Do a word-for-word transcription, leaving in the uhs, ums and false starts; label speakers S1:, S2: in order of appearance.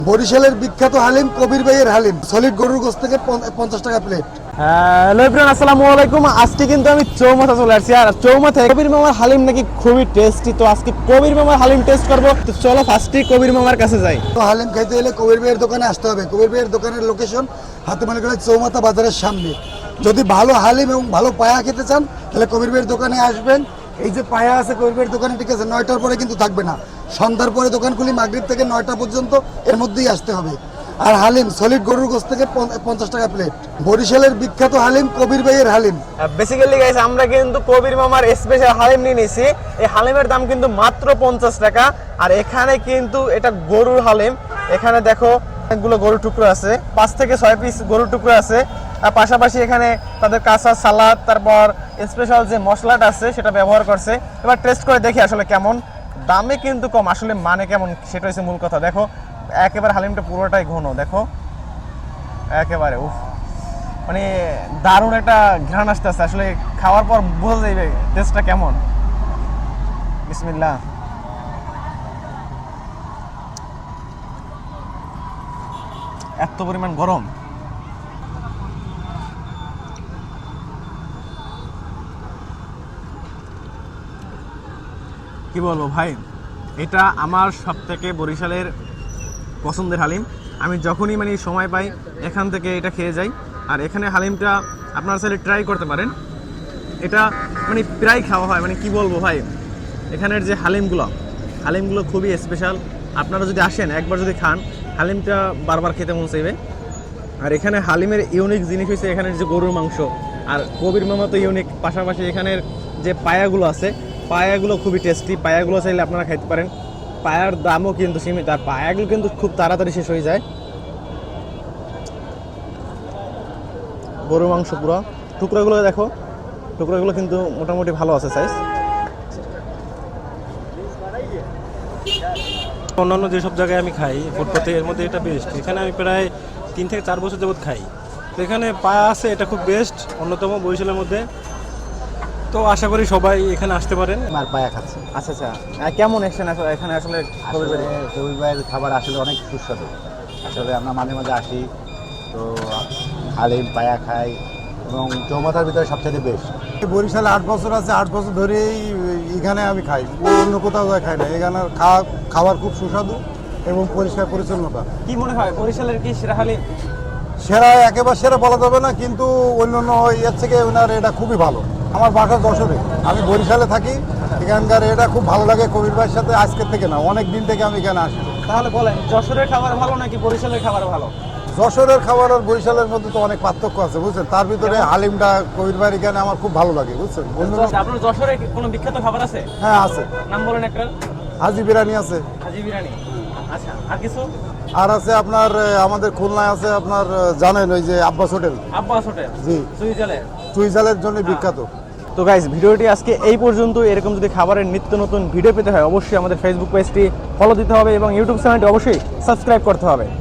S1: বরিশালের বিখ্যাত হালিম কবির ভাইয়ের হালিম সলিড গরুর গোশত থেকে পঞ্চাশ টাকা প্লেট।
S2: হ্যালো এভরিওয়ান, আসসালামু আলাইকুম। আজকে কিন্তু আমি চৌমাথা চলে আসছি, আর চৌমাথায় কবির মামার হালিম নাকি খুবই টেস্টি। তো আজকে কবির মামার হালিম টেস্ট করবো। তো চলো ফার্স্টে কবির মামার কাছে যাই।
S1: তো হালিম খাইতে হলে কবির ভাইয়ের দোকানে আসতে হবে। কবির ভাইয়ের দোকানের লোকেশন হাতিমালিগঞ্জ চৌমাথা বাজারের সামনে। যদি ভালো হালিম এবং ভালো পায়া খেতে চান তাহলে কবির ভাইয়ের দোকানে আসবেন। এই যে পায়া আছে কবির ভাইয়ের দোকানে, ঠিক আছে, নয়টার পরে কিন্তু থাকবে না। সন্ধ্যার পরে দোকান খুলি, মাগরিব থেকে নয়টা পর্যন্ত, এর মধ্যেই আসতে হবে। আর হালিম সলিড গরুর গোশত থেকে পঞ্চাশ টাকা প্লেট। বরিশালের বিখ্যাত হালিম কবির ভাইয়ের হালিম।
S2: বেসিক্যালি গাইস, আমরা কিন্তু কবির মামার স্পেশাল হালিম নিয়ে নিয়েছি। এই হালিমের দাম কিন্তু মাত্র পঞ্চাশ টাকা। আর এখানে কিন্তু এটা গরুর হালিম। এখানে দেখো অনেকগুলো গরুর টুকরো আছে, পাঁচ থেকে ছয় পিস গরুর টুকরো আছে। আর পাশাপাশি এখানে তাদের কাঁচা সালাদ, তারপর স্পেশাল যে মশলাটা আছে সেটা ব্যবহার করছে। এবার টেস্ট করে দেখি আসলে কেমন। দামে কিন্তু কম, আসলে মানে কেমন সেটা হচ্ছে মূল কথা। দেখো একেবারে হালিমটা পুরোটাই ঘন, দেখো একেবারে উফ, মানে দারুণ একটা ঘ্রাণ আসতেছে। আসলে খাওয়ার পর বোঝা যাবে টেস্টটা কেমন। বিসমিল্লাহ। এত পরিমাণ গরম, কি বলবো ভাই, এটা আমার সব থেকে বরিশালের পছন্দের হালিম। আমি যখনই মানে সময় পাই এখান থেকে এটা খেয়ে যাই। আর এখানে হালিমটা আপনারা চাইলে ট্রাই করতে পারেন। এটা মানে প্রায় খাওয়া হয়, মানে কি বলবো ভাই, এখানের যে হালিমগুলো হালিমগুলো খুবই স্পেশাল। আপনারা যদি আসেন একবার যদি খান, হালিমটা বারবার খেতে মন চাইবে। আর এখানে হালিমের ইউনিক জিনিস হচ্ছে এখানের যে গরুর মাংস। আর কবির মামা তো ইউনিক, পাশাপাশি এখানের যে পায়াগুলো আছে, পায়াগুলো খুবই টেস্টি। পায়াগুলো চাইলে আপনারা খাইতে পারেন। পায়ার দামও কিন্তু সীমিত, আর পায়াগুলো কিন্তু খুব তাড়াতাড়ি শেষ হয়ে যায়। গরুর মাংস পুরো টুকরোগুলো দেখো, টুকরোগুলো কিন্তু মোটামুটি ভালো আছে সাইজ।
S3: অন্যান্য যেসব জায়গায় আমি খাই ফুটপাতে, এর মধ্যে এটা বেস্ট। এখানে আমি প্রায় তিন থেকে চার বছর যাবত খাই। তো এখানে পায়া আছে, এটা খুব বেস্ট, অন্যতম বরিশালের মধ্যে। তো আশা করি সবাই এখানে আসতে পারেন।
S4: আর পায়া খাচ্ছে।
S2: আচ্ছা আচ্ছা, আর কেমন এসছেন এখানে? আসলে কবির ভাই
S4: কবির ভাইয়ের খাবার আসলে অনেক সুস্বাদু। আসলে আমরা মাঝে মাঝে আসি, তো হালিম পায়া খাই, এবং চৌমাথার ভিতরে সবচেয়ে বেস্ট।
S1: বরিশালে আট বছর আছে, আট বছর ধরেই এখানে আমি খাই, অন্য কোথাও যায় খাই না। এখানে খাওয়া খাবার খুব সুস্বাদু এবং পরিষ্কার পরিচ্ছন্নতা।
S2: কি মনে হয় বরিশালের কি সেরা হালিম?
S1: সেরা একেবারে সেরা বলা যাবে না, কিন্তু অন্যান্য এর থেকে ওনার এটা খুবই ভালো। আমার বাসা যশোরে, আমি বরিশালে থাকি। এখানকার এটা খুব ভালো লাগে কবির ভাইয়ের সাথে, আজকের থেকে না, অনেক দিন থেকে আমি এখানে আসি।
S2: তাহলে বলেন, যশোরের খাবার ভালো নাকি বরিশালের খাবার ভালো?
S1: যশোরের খাবার আর বরিশালের মধ্যে তো অনেক পার্থক্য আছে, বুঝছেন। তার ভিতরে হালিমটা কবির ভাইয়ের এখানে আমার খুব ভালো লাগে, বুঝছেন।
S2: আপনার যশোরে কোনো বিখ্যাত খাবার আছে?
S1: হ্যাঁ আছে।
S2: নাম বলেন একটা।
S1: হাজি বিরিয়ানি আছে।
S2: হাজি বিরিয়ানি, আচ্ছা। আর কিছু?
S1: আর আছে আপনার আমাদের খুলনায় আছে আপনার, জানেন ওই যে আব্বাস হোটেল।
S2: আব্বাস হোটেল,
S1: জি,
S2: সুইজারল্যান্ড,
S1: চুইঝালের জন্য বিখ্যাত।
S2: তো গাইস, ভিডিওটি আজকে এই পর্যন্ত। এরকম যদি খাবারের নিত্য নতুন ভিডিও পেতে হয় অবশ্যই আমাদের ফেসবুক পেজটি ফলো দিতে হবে এবং ইউটিউব চ্যানেলটি অবশ্যই সাবস্ক্রাইব করতে হবে।